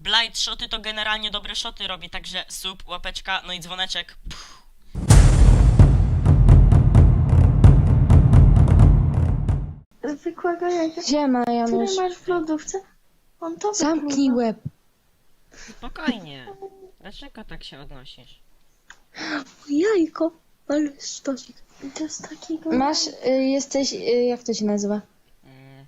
Blind shoty to generalnie dobre shoty robi, także sub, łapeczka, no i dzwoneczek. Puh. Zwykłego jajka, Siema, który Janusz. masz w lodówce, on to Zamknij łeb. Spokojnie. Dlaczego tak się odnosisz? Jajko. Ale stosik. To jest takiego... Masz, jesteś, jak to się nazywa? Nie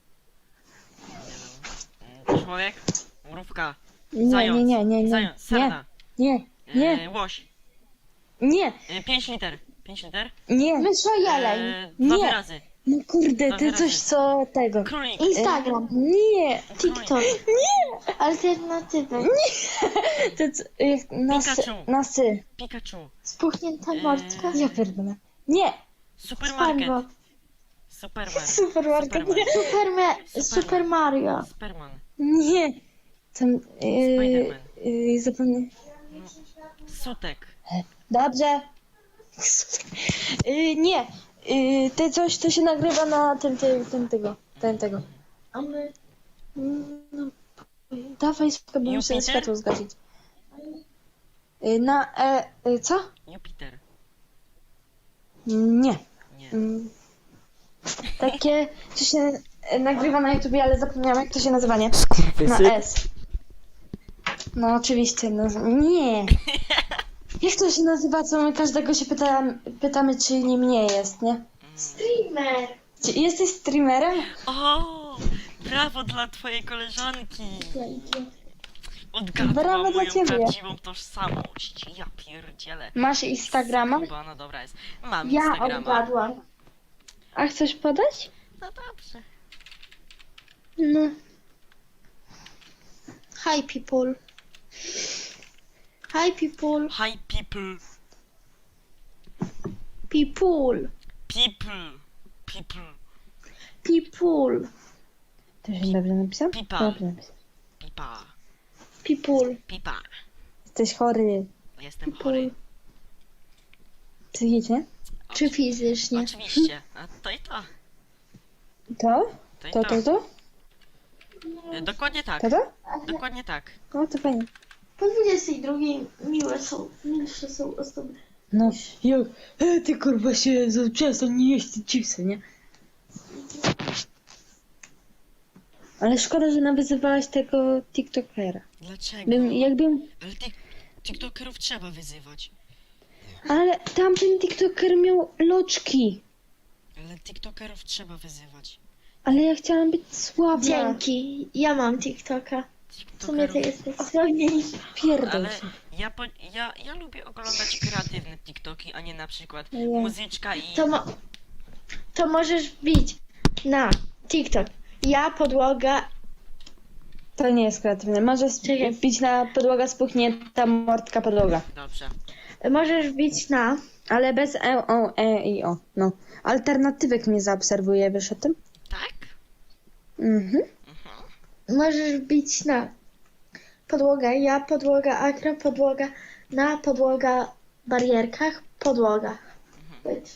wiem. Człowiek? Mrówka? Nie, Zając? nie. Zając, sarna? Nie. Łoś? Nie. 5 liter? 5 liter? Nie. Mysza jeleń. Dwa Nie. wyrazy. No kurde, ty Dobra, coś co tego. Królik. Instagram, Nie. TikTok. Alternatywy. Ty jak Pikachu. na sy. Pikachu. Spuchnięta mordka. Ja pierdolę. Nie. Supermarket. SpongeBob. Superman. Supermarket. Superman. Super Mario. Superman. Nie. Tam, Spiderman. zapomnę. Sutek. Dobrze. Nie. Ty coś, to się nagrywa na tego. A my... No, dawaj spoko, bo muszę Jupiter? światło zgasić. Co? Jupiter. Nie. Nie. Takie, co się nagrywa na YouTubie, ale zapomniałam jak to się nazywa, nie? Na S. No oczywiście, no nie. Jak to się nazywa, co my każdego się pytamy, czy nim nie jest, nie? Streamer. Czy jesteś streamerem? O! Brawo dla twojej koleżanki! Brawo Odgadła dla moją ciebie. prawdziwą tożsamość. Ja pierdzielę. Masz Instagrama? Chyba, no dobra jest. Mam Ja Instagrama. odgadłam. A chcesz podać? No dobrze. No. Hi people. Hi people. Hi people. People. People. People. People. To się dobrze napisał? Pipa. Dobrze napisał. Pipa. People. Pipa. Jesteś chory. Jestem chory. Psychicznie? Czy fizycznie? Oczywiście. A to i to. To? To i To, to. to, to? Dokładnie tak. To, to? Dokładnie tak. No to fajnie. Po 22 milsze są osoby. No, jak? Ty kurwa się przestań nie jeść te chipsy, nie? Ale szkoda, że nawyzywałaś tego TikTokera. Dlaczego? Jakbym... Ale TikTokerów trzeba wyzywać. Ale tamten TikToker miał loczki. Ale TikTokerów trzeba wyzywać. Ale ja chciałam być słaba. Dzięki. Ja mam TikToka. W sumie ty TikTokerów... jesteś słabniejszy. Pierdol Ale się. ja lubię oglądać kreatywne TikToki, a nie na przykład Ja. muzyczka i... To możesz wbić na TikTok. Ja podłoga. To nie jest kreatywne. Możesz Czekaj. wbić na podłoga spuchnięta mordka podłoga. Dobrze. Możesz wbić na. Ale bez i o. No. Alternatywek nie zaobserwuję, wiesz o tym? Tak? Mhm. Możesz wbić na podłoga. Ja podłoga akra podłoga. Na podłoga barierkach podłoga. Być.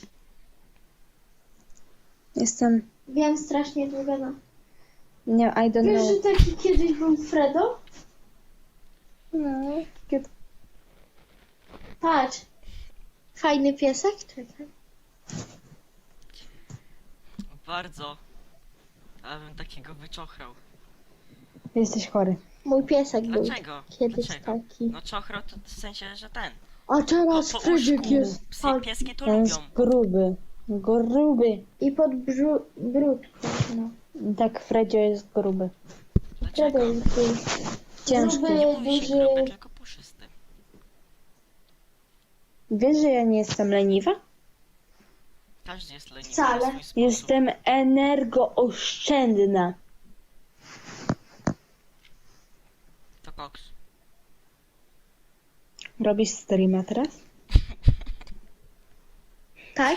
Jestem... Wiem strasznie długo. No. Nie, I don't Wiesz, know. że taki kiedyś był Fredo? No, kiedy... Patrz. Fajny piesek? Czekaj. Bardzo. Ja bym takiego wyczochrał. Jesteś chory. Mój piesek był Dlaczego? kiedyś Dlaczego? taki. No czochrał to w sensie, że ten. A teraz Po Fredzik uszku. jest. Psy, pieski to On lubią. jest gruby. Gruby. I pod brudką. No. Tak, Fredzio jest gruby. Dlaczego? Fredo jest gruby. Ciężki. Gruby, Nie mówi się duży. gruby, tylko puszysty. Wiesz, że ja nie jestem leniwa? Każdy jest leniwy Wcale. na swój sposób. Jestem energooszczędna. To koks. Robisz streama teraz? Tak?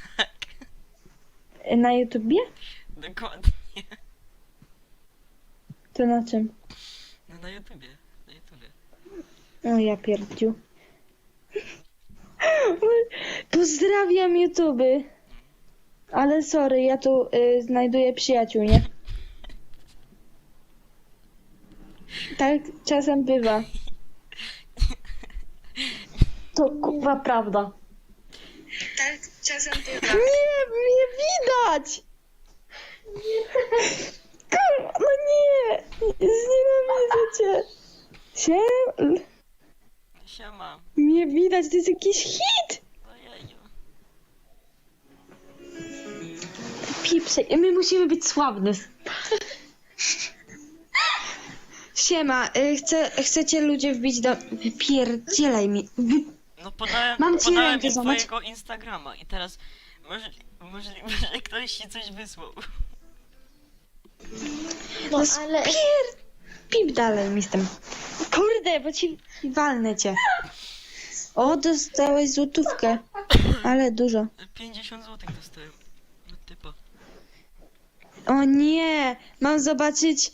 Na YouTubie? Dokładnie. To na czym? No na YouTubie. Na YouTubie. O ja pierdziu. Pozdrawiam YouTube. Ale sorry, ja tu znajduję przyjaciół, nie? Tak czasem bywa. To kurwa prawda. Tak czasem bywa. Nie, mnie widać! Kurwa, no nie! Znienawidzę cię. Siema. Mnie widać, to jest jakiś hit! Ojeju. Pipsej, my musimy być sławny. Siema, chcecie ludzie wbić do... Wypierdzielaj mi. No podałem, Mam ci podałem rękę im złamać. twojego Instagrama i teraz możliwe, że ktoś ci coś wysłał. No ale... Pip dalej mi z tym. Kurde, bo ci walnę cię. O, dostałeś złotówkę. Ale dużo. 50 zł dostałem od typa. O nie, mam zobaczyć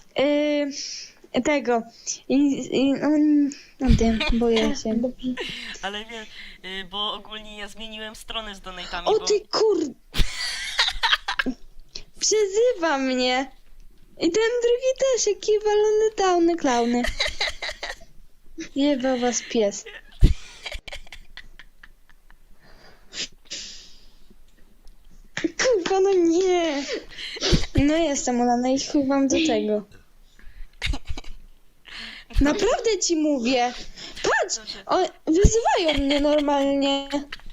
tego. No wiem, boję się. Ale wie, bo ogólnie ja zmieniłem stronę z donatami, O bo... ty Przezywa mnie. I ten drugi też, jaki walony downy klauny. Jebał was pies. Kurwa, no nie. No jestem ulana i chuj wam do tego. Naprawdę ci mówię. Patrz, wyzywają mnie normalnie.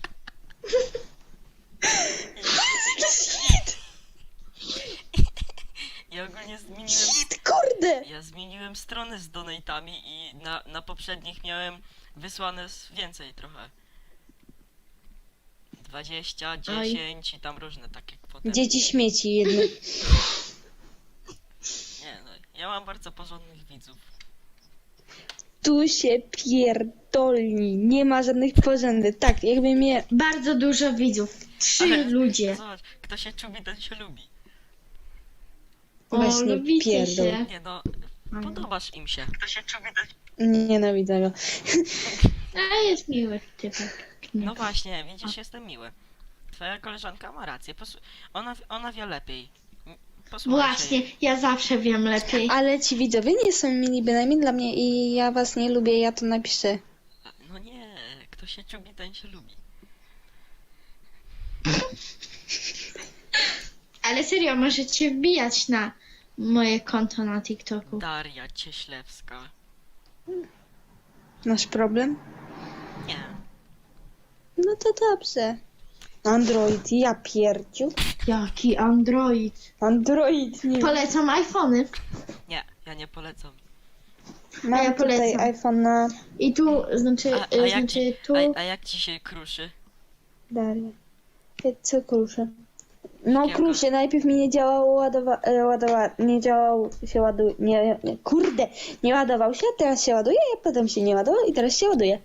Ja ogólnie zmieniłem... Shit, kurde. Ja zmieniłem stronę z donatami i na poprzednich miałem wysłane więcej trochę. 20, 10 i tam różne takie kwoty. Dzieci śmieci jedne. Nie no, ja mam bardzo porządnych widzów. Tu się pierdolni. Nie ma żadnych porządek. Tak, jakby mnie... Bardzo dużo widzów. 3 Ale ludzie. Zobacz, kto się czubi, ten się lubi. O, Właśnie lubicie pierdol. się. Nie no, podobasz im się. Kto się czubi, ten... Nienawidzę go. A jest miły typek. No właśnie, widzisz, jestem miły. Twoja koleżanka ma rację, ona wie lepiej. Posłuchaj Właśnie, się ja zawsze wiem lepiej. Ale ci widzowie nie są mili bynajmniej dla mnie i ja was nie lubię, ja to napiszę. jej. No nie, kto się czubi, ten się lubi. Ale serio, możecie wbijać na moje konto na TikToku. Daria Cieślewska. Masz problem? Nie. No to dobrze. Android, ja pierdziu. Jaki Android. Android, nie. Polecam iPhony. Nie, ja nie polecam. Mam ja tutaj polecam. iPhone'a. I tu, znaczy, tu... A jak ci się kruszy? Dalej. Co kruszę? No Szkiełka. kruszę, najpierw mi nie działało nie działał się ładuje, kurde, nie ładował się, teraz się ładuje, a potem się nie ładował i teraz się ładuje.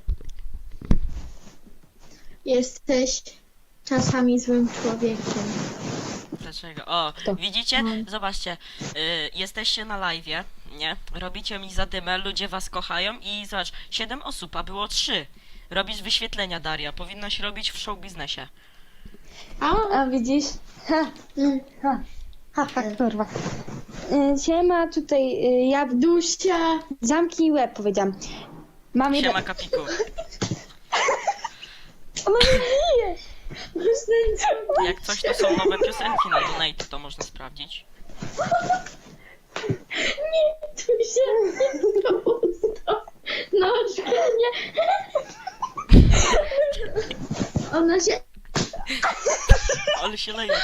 Jesteś czasami złym człowiekiem. Dlaczego? O, Kto? widzicie? Zobaczcie, jesteście na live'ie, nie? Robicie mi zadymę, ludzie was kochają i zobacz, 7 osób, a było 3. Robisz wyświetlenia, Daria, powinnaś robić w show biznesie. A widzisz? Ha, kurwa. Siema, tutaj ja Dusia. zamknij łeb, powiedziałam. Mam jeden... Siema, Kapiku. Ona mnie bije! Jak coś, to są nowe piosenki na Donate, to można sprawdzić. Dusia. Nóżkę, nie. Ona się... Ale się leje.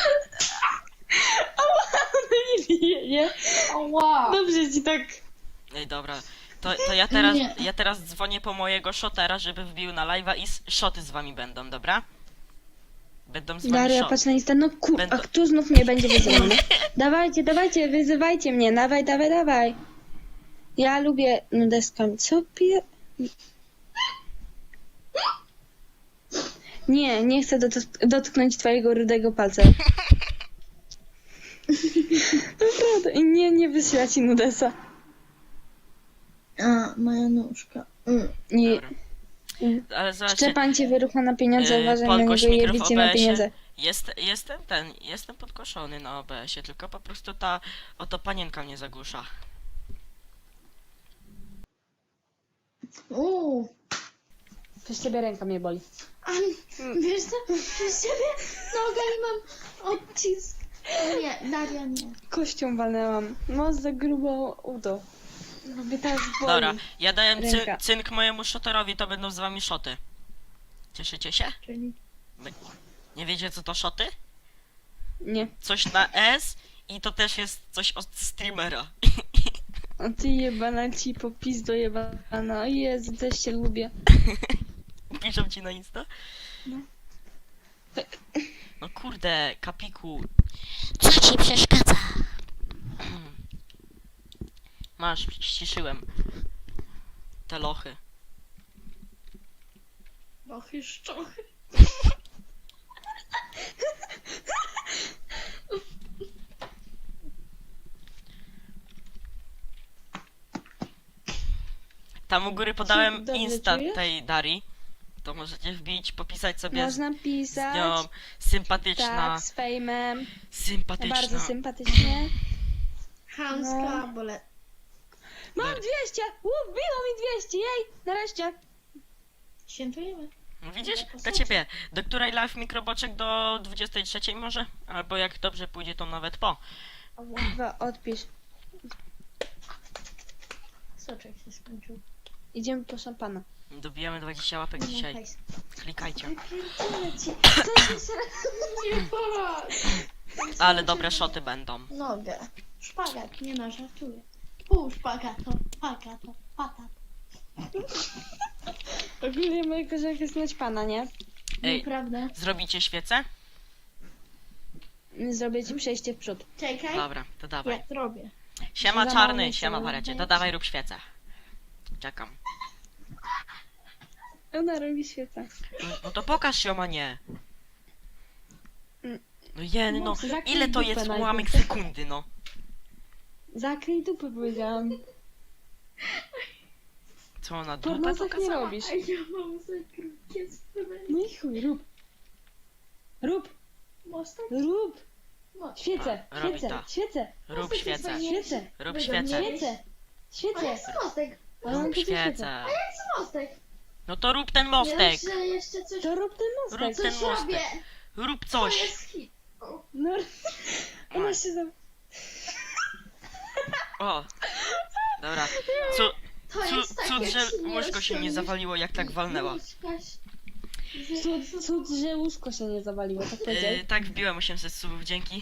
Ona mnie bije, nie? Wow. Dobrze ci tak... Ej, dobra. To Nie. ja teraz dzwonię po mojego shotera, żeby wbił na live'a i shoty z wami będą, dobra? Będą z wami Daria, shot. patrz na Insta, no kur... Będą- A kto znów mnie będzie wyzywany? Dawajcie, wyzywajcie mnie, dawaj. Ja lubię nudeskami. Co pie... Nie chcę dotknąć twojego rudego palca. Naprawdę, i nie wysyła ci nudesa. A, moja nóżka. Nie. Dobra. Ale zobaczcie, Szczepan cię wyrucha na pieniądze, uważaj na Polgoś niego i mikro w jebicie na OBS-ie. pieniądze. Jestem podkoszony na OBS-ie, tylko po prostu ta oto panienka mnie zagłusza. Przez ciebie ręka mnie boli. A wiesz co? Przez ciebie nogę i mam odcisk. Nie, Daria nie. Kością walnęłam. No za grubą udo. Mnie teraz boli. Dobra, ja daję Ręka. cynk mojemu shotterowi, to będą z wami szoty. Cieszycie się? Czyli Nie wiecie co to szoty? Nie. Coś na S i to też jest coś od streamera. A ty jebana ci po pizdo jebana. O Jezu, też cię lubię. Piszą ci na Insta? No. No kurde, kapiku. Co ci przeszkadza? Masz, ściszyłem. Te lochy. lochy, szczochy. Tam u góry podałem Dobrze Insta czujesz? tej Darii. To możecie wbić, popisać sobie Można z pisać. nią. Sympatyczna. Tak, z fejmem. Sympatyczna. Bardzo sympatycznie. Chamska, bole. Mam 200! Wbiło mi 200! Jej! Nareszcie! Świętujemy. No widzisz? Dla ciebie. Do której live mikroboczek? Do 23 może? Albo jak dobrze pójdzie, to nawet po. Chyba odpisz. Soczek się skończył. Idziemy po szampana. Dobijamy 20 łapek dzisiaj. hajs. Klikajcie. Wypierdzielę ci. Co się Nie patrz. Ale dobre szoty będą. Nogę. Szpagat, nie no, żartuję. Pół szpagatu, pagato, patat. Ogólnie moja koleżanka jest naćpana, nie? Ej, Nieprawda. zrobicie świecę? Zrobię ci przejście w przód. Czekaj, Dobra, to dawaj. ja zrobię. Siema Za czarny, mało siema są. warecie. To dawaj rób świecę. Czekam. Ona robi świetnie. No to pokaż się, a nie. No jen, no. Zakryj Ile to dupę jest najpierw. ułamek sekundy, no. Zakryj dupę, powiedziałam. Co ona dupę Pornosach nie pokazała? robisz. A ja mam za krótkie spływy. No i chuj, rób. Rób, Mostek? rób. Mostek. Świecę, A, robi świecę, to. świecę, Rób świecę. świecę, Rób Będą świecę. mieli- świecę, A świecę. jak z mostek? A mam Rób tu świecę. świecę. Z mostek. No to rób ten Nie mostek. dość, że jeszcze coś, To rób ten Rób mostek. ten coś mostek. robię. Rób To coś. jest hit. O, No, ona się za... O. Dobra. To jest takie Cud, że przyniosło łóżko się nie mi- zawaliło, jak tak walnęła. Cud, że łóżko się nie zawaliło, tak powiedziałeś. Tak, wbiłem 800 subów, dzięki.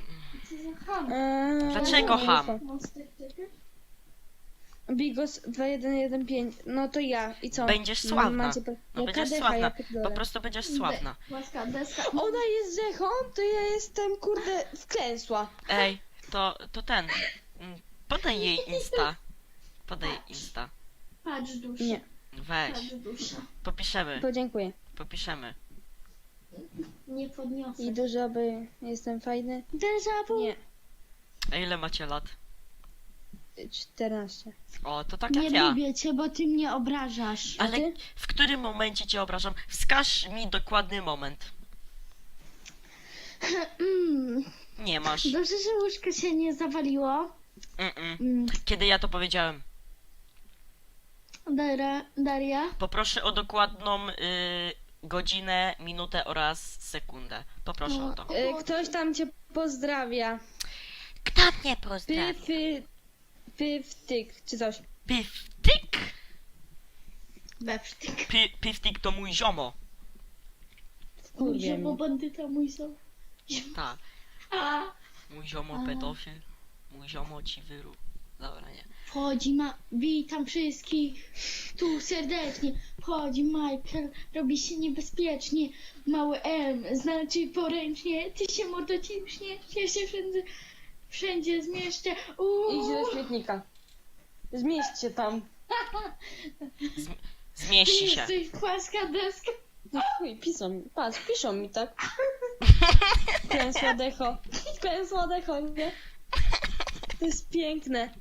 no, Dlaczego ham? Mostek, czekaj. Bigos 2115, no to ja. I co? Będziesz sławna. Macie po... No Jaka będziesz decha, sławna. ja pierdolę. Po prostu będziesz sławna. Łaska, deska. Ona jest Zechą, to ja jestem, kurde, wklęsła. Ej, to ten. Podaj jej Insta. Podaj jej Insta. Patrz dusza. Nie, Weź. Patrz dusza. Popiszemy. podziękuję. Popiszemy. Nie podniosę. I dużo by jestem fajny. Déjà vu. Nie, A ile macie lat? 14. O, to tak Nie jak ja. lubię cię, bo ty mnie obrażasz. A Ale ty? w którym momencie cię obrażam? Wskaż mi dokładny moment. Mm. Nie masz. Dobrze, że łóżko się nie zawaliło. Mm. Kiedy ja to powiedziałem? Daria? Poproszę o dokładną godzinę, minutę oraz sekundę. Poproszę o to. Ktoś tam cię pozdrawia. Kto mnie pozdrawia? Pywtyk, czy coś. Piftik? Bewsztyk. Piftik to mój ziomo. Kurwie Bo mnie. bandyta mój są. Tak. A. Mój ziomo pedofil. Mój ziomo ci wyru. Dobra, nie. Wchodzi witam wszystkich tu serdecznie. Wchodzi Michael, robi się niebezpiecznie. Mały M, znaczy poręcznie. Ty się mordo ciśniesz, ja się wszędzie zmieszczę. Idź do śmietnika. Zmieść się tam. Ty Zmieści się. jesteś płaska deska. No chuj, piszą mi tak. Wklęsła decho. Wklęsła decho, nie? To jest piękne.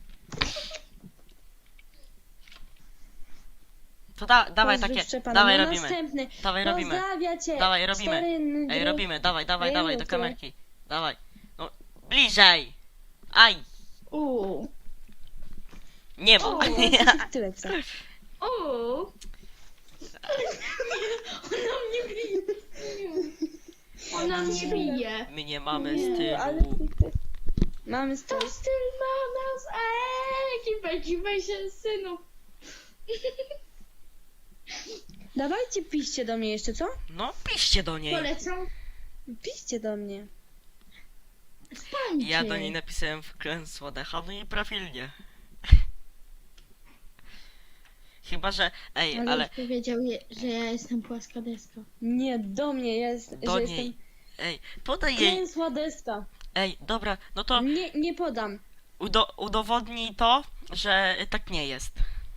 To dawaj Pozdrów takie. Szczepana. Dawaj No robimy. Następny. Dawaj robimy. Pozdrawia cię. Dawaj robimy. Stary Ej, robimy. Dawaj, dawaj, Ej, dawaj do rób to. kamerki. Dawaj. No, bliżej. Aj. Nie O, mów. tyle co. O! Ona mnie bije. Ona mnie bije. My nie mamy Ale stylu. mamy To styl. styl ma nas. Kipę się, synu. Dawajcie, piszcie do mnie jeszcze, co? No, piszcie do niej. Polecam. Piszcie do mnie. Spańcie. Ja do niej napisałem wklęsła decha, no i prawilnie. Chyba, że... Ej, Ale ale powiedział, że ja jestem płaska deska. Nie, do mnie jest, do że niej... jestem Ej, podaj jej... klęsła deska. Ej, dobra, no to Nie podam. udowodnij to, że tak nie jest.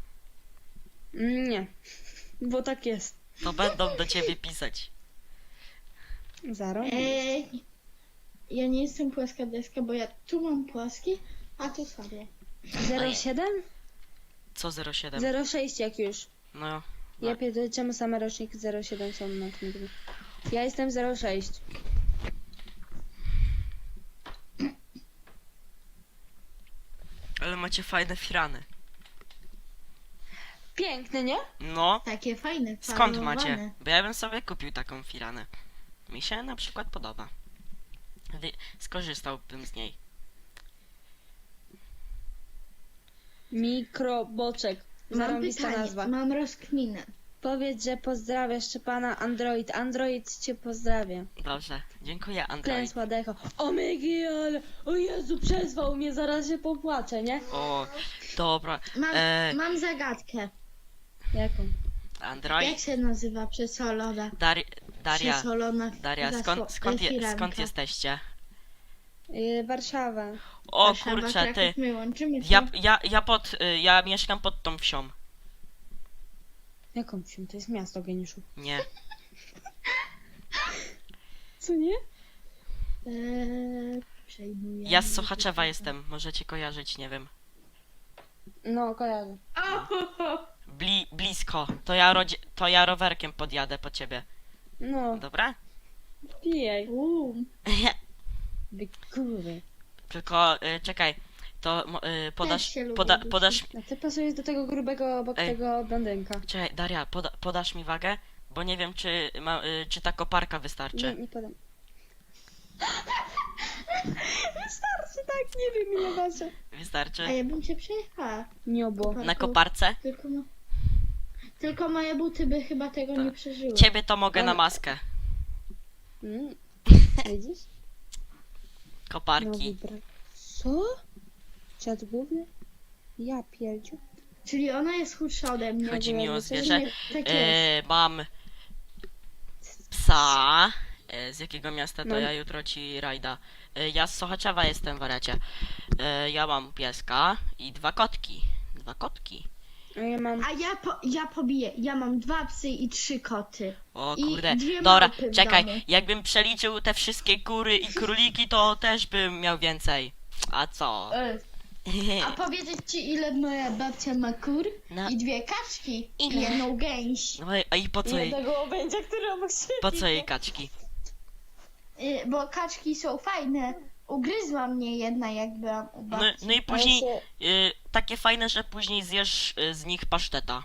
Nie, bo tak jest. To będą do ciebie pisać. Zaro. Ja nie jestem płaska deska, bo ja tu mam płaski, a tu sobie. 07? Co 07? 06 jak już. No, Ja pierdolę, czemu same roczniki 07 są na tym. Ja jestem 06. ale macie fajne firany. Piękny, nie? No, Takie fajne, skąd farbowane. macie? Bo ja bym sobie kupił taką firanę. Mi się na przykład podoba. Skorzystałbym z niej. Mikroboczek. Mam Zarąbista pytanie, nazwa. mam rozkminę. Powiedz, że pozdrawiasz Szczepana Android. Android cię pozdrawia. Dobrze, dziękuję Android. Klęsła decho. O mygi, ale... O Jezu, przezwał mnie, zaraz się popłaczę, nie? O, dobra. Mam zagadkę. Jaką? Android. Jak się nazywa przesolona? Daria, Przesolona Daria, skąd jesteście? Warszawa. O Warszawa, kurczę, Kraków, ty. My łączymy się. Ja mieszkam pod tą wsią. Jaką wsią? To jest miasto, geniuszu. Nie. Co nie? Przejmuję. Ja z Sochaczewa jestem, możecie kojarzyć, nie wiem. No, kojarzę. Blisko. To ja rowerkiem podjadę po ciebie. No, Dobra? pijaj. Wy kurwy. Tylko czekaj, to podasz, Też się lubię podasz, A ty pasujesz do tego grubego obok Ej. tego blondynka. czekaj, Daria, podasz mi wagę? Bo nie wiem, czy ta koparka wystarczy. Nie podam. Wystarczy, tak, nie wiem ile wasze. A Wystarczy? ja bym się przejechała. Nie obo. Na koparce? Tylko moje buty by chyba tego Tak. nie przeżyły. Ciebie to mogę na maskę. Widzisz? Koparki. Nowy brak. Co? Czad główny? Ja pierdziu. Czyli ona jest chudsza ode mnie. Chodzi mi o jakby zwierzę. Nie, tak jest. Mam psa. Z jakiego miasta to Mam- ja jutro ci rajda. Ja z Sochaczewa jestem, wariacie. Ja mam pieska i 2 kotki. 2 kotki. A ja mam... A ja pobiję. Ja mam 2 psy i 3 koty. O I kurde. 2 Dobra, małpy w czekaj. domu. Jakbym przeliczył te wszystkie kury i króliki, to też bym miał więcej. A co? A powiedzieć ci, ile moja babcia ma kur? No. I 2 kaczki. Ile? I 1 gęś. No i po co jej, Jednego łobędzia, który obok siebie. po co jej kaczki? Bo kaczki są fajne. Ugryzła mnie jedna, jak byłam u No, babci. no i później się- takie fajne, że później zjesz z nich paszteta.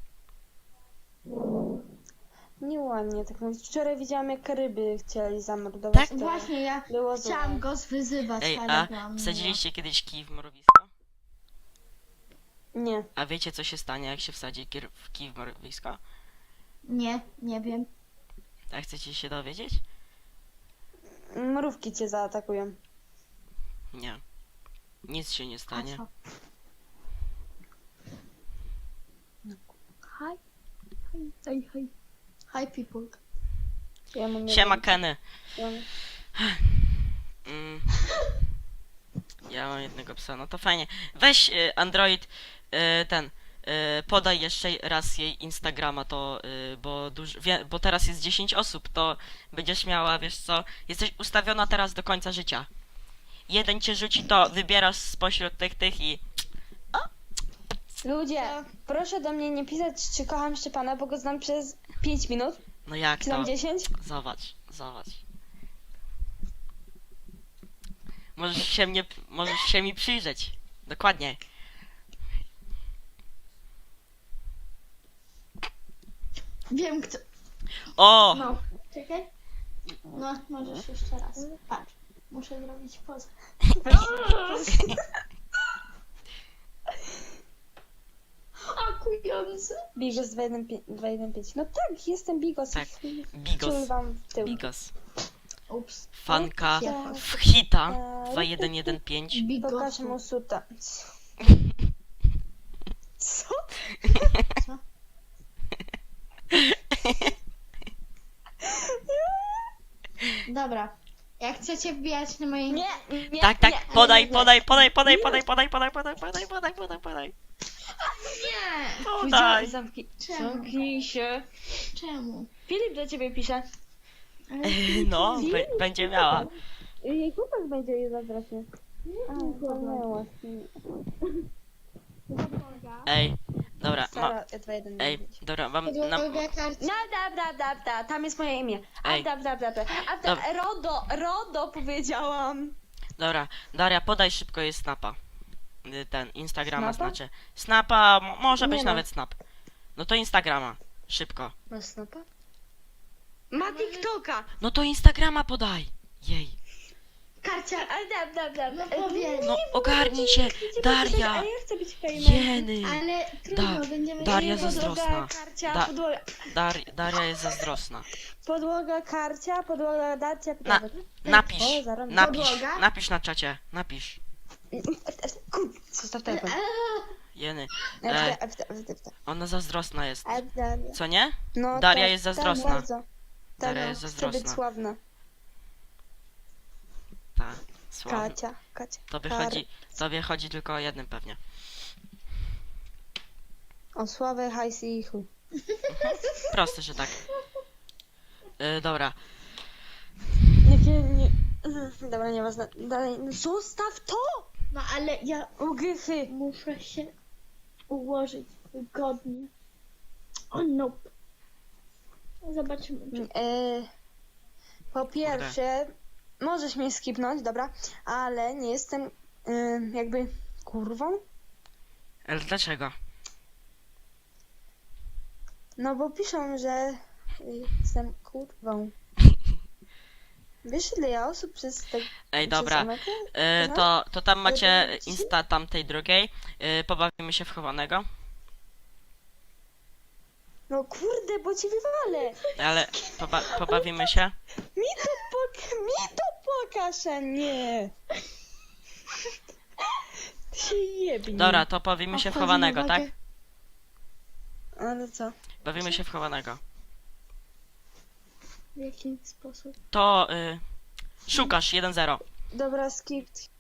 Nieładnie tak mówić. Wczoraj widziałam, jak ryby chcieli zamordować. Tak? to Właśnie ja było chciałam złe. go zwyzywać, Ej, ale a byłam wsadziliście kiedyś kij w mrowisko? Nie. A wiecie, co się stanie, jak się wsadzi kij w mrowisko? miła. Nie wiem. A chcecie się dowiedzieć? Mrówki cię zaatakują. Nie. Nic się nie A stanie. co? Hi. Hi. Hi people. Ja mam Siema, jednego- Kenny. ja mam- Mm. Ja mam jednego psa, no to fajnie. Weź Android, podaj jeszcze raz jej Instagrama, to, bo teraz jest 10 osób, to będziesz miała, wiesz co, jesteś ustawiona teraz do końca życia. Jeden cię rzuci, to wybierasz spośród tych i... Ludzie, proszę do mnie nie pisać, czy kocham Szczepana, bo go znam przez 5 minut. No jak Czy to? tam 10? Zobacz. Możesz się mi przyjrzeć. Dokładnie. Wiem kto. O! No, czekaj. No, możesz jeszcze raz. Patrz. Muszę zrobić pozę. Akujące. Bigos 215. No tak, jestem Bigos. Tak. Ciul Bigos. wam w tył. Bigos. Ups. Fanka Ja. w hita 2115. Pokaż mu Bigosu. suta. Co? Co? Dobra. Jak chcecie wbijać na moje... Nie, nie, Tak, tak, nie. podaj, nie. podaj, podaj, podaj, podaj, podaj, podaj, podaj, podaj, podaj, podaj, podaj. Nie! Podaj. Czemu? Zamknij się. Czemu? Filip do ciebie pisze. Ale... No, będzie miała. Jej chłopak będzie jej zazdrosny. A, zapomniała. Ej, dobra, Sara 215. ej, dobra, mam, Podłoga karty. No, da, tam jest moje imię. Ej. Rodo powiedziałam. dobra, Daria, podaj szybko jej snapa. Ten, Instagrama Snapa? znaczy. Snapa, może być Nie no. nawet snap. No to Instagrama, szybko. Masz snapa? Ma TikToka. No to Instagrama podaj. Jej. Karcia. Da. No powiedz. No ogarnij się, Daria. A ja chcę być famous. Jeny. Ale trudno, Da- będziemy... Daria się zazdrosna. Karcia, Da- podłoga. Daria jest zazdrosna. Podłoga, karcia, podłoga, darcia, Na- podłoga. Napisz, O, zaraz. Podłoga? napisz na czacie, napisz. Kur... Zostaw telefon. Jeny. FD. Ona zazdrosna jest. Daria. Co nie? No, Daria tak, jest tak, zazdrosna. bardzo. Daria Tak, jest chcę zazdrosna. być sławna. Tak, słabo. Kacia. Tobie chodzi tylko o jednym pewnie. O sławę, hajsy i chuj. Proste, że tak. Dobra. Nie. Dobra, nieważne. Dalej. No, zostaw to! No ale ja Ugrychy. muszę się ułożyć wygodnie. O no. Zobaczymy. Czy... Po pierwsze, możesz mnie skipnąć, dobra, ale nie jestem jakby kurwą. Ale dlaczego? No bo piszą, że jestem kurwą. Wiesz, ile ja osób przez te... Ej, przez dobra. Amerykę? To tam macie Ci? Insta tamtej drugiej. Pobawimy się w chowanego. No kurde, bo ci wywalę. Ale pobawimy się. Mi to pokaż, a nie. Ty się jebnij. Dobra, to bawimy się w Wchodzi chowanego, na tak? wagę. Ale co? Bawimy się w chowanego. W jaki sposób? To szukasz 1-0. Dobra, skip.